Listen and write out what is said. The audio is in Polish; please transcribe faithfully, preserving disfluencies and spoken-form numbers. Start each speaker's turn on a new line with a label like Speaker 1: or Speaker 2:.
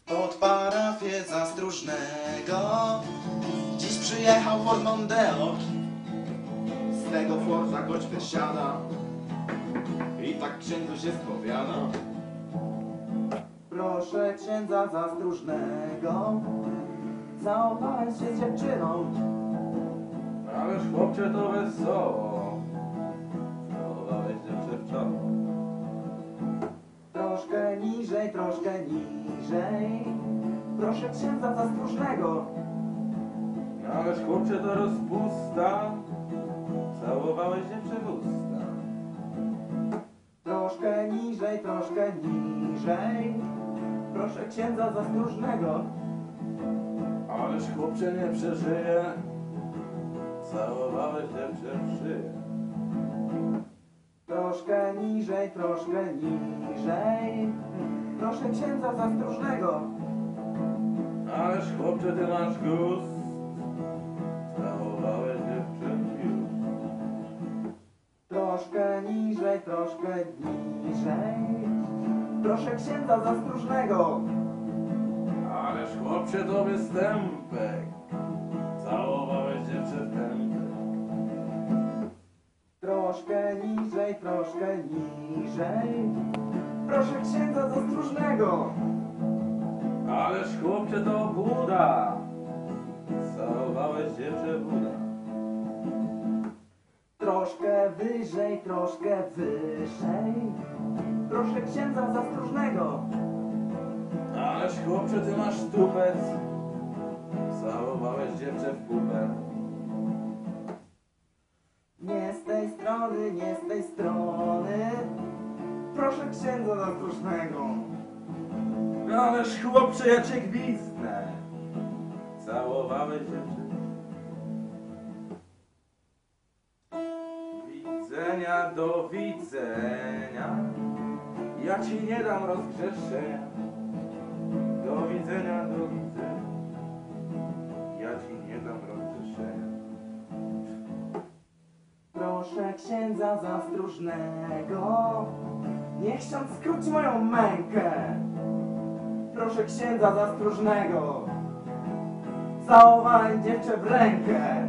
Speaker 1: Pod parafię Zastróżnego dziś przyjechał Ford Mondeo.
Speaker 2: Z tego Forda gość wysiada i tak księdzu się spowiada.
Speaker 1: Proszę księdza Zastróżnego, całowałem się z dziewczyną.
Speaker 3: Ależ chłopcze to wesoło, całowałeś dziewczę w czoło.
Speaker 1: Troszkę niżej, troszkę niżej, proszę księdza Zastróżnego.
Speaker 3: Ależ chłopcze to rozpusta, całowałeś dziewczę w usta.
Speaker 1: Troszkę niżej, troszkę niżej, proszę księdza Zastróżnego.
Speaker 3: Ależ chłopcze nie przeżyje, całowałeś dziewczę w szyję.
Speaker 1: Troszkę niżej, troszkę niżej, proszę księdza Zastróżnego.
Speaker 3: Ależ chłopcze ty masz gust, całowałeś dziewczę już.
Speaker 1: Troszkę niżej, troszkę niżej, proszę księdza Zastróżnego.
Speaker 3: Ależ chłopcze to występek, całowałeś dziewczę w tępek.
Speaker 1: Troszkę niżej, troszkę niżej, proszę księdza Zastróżnego.
Speaker 3: Ależ chłopcze to buda, całowałeś dziewczę w uda.
Speaker 1: Troszkę wyżej, troszkę wyżej, proszę księdza Zastróżnego.
Speaker 3: Ależ chłopcze ty masz tupec, całowałeś dziewczę w pupę.
Speaker 1: Nie z tej strony, nie z tej strony, proszę księdza Zastróżnego.
Speaker 3: Ależ chłopcze ja cię gwizdnę, całowałeś dziewczę. Widzenia do widzenia, ja ci nie dam rozgrzeszenia. Do widzenia, do widzenia, ja ci nie dam rozgrzeszenia.
Speaker 1: Proszę księdza Zastróżnego, niech ksiądz skróci moją mękę. Proszę księdza Zastróżnego, całowałem dziewczę w rękę.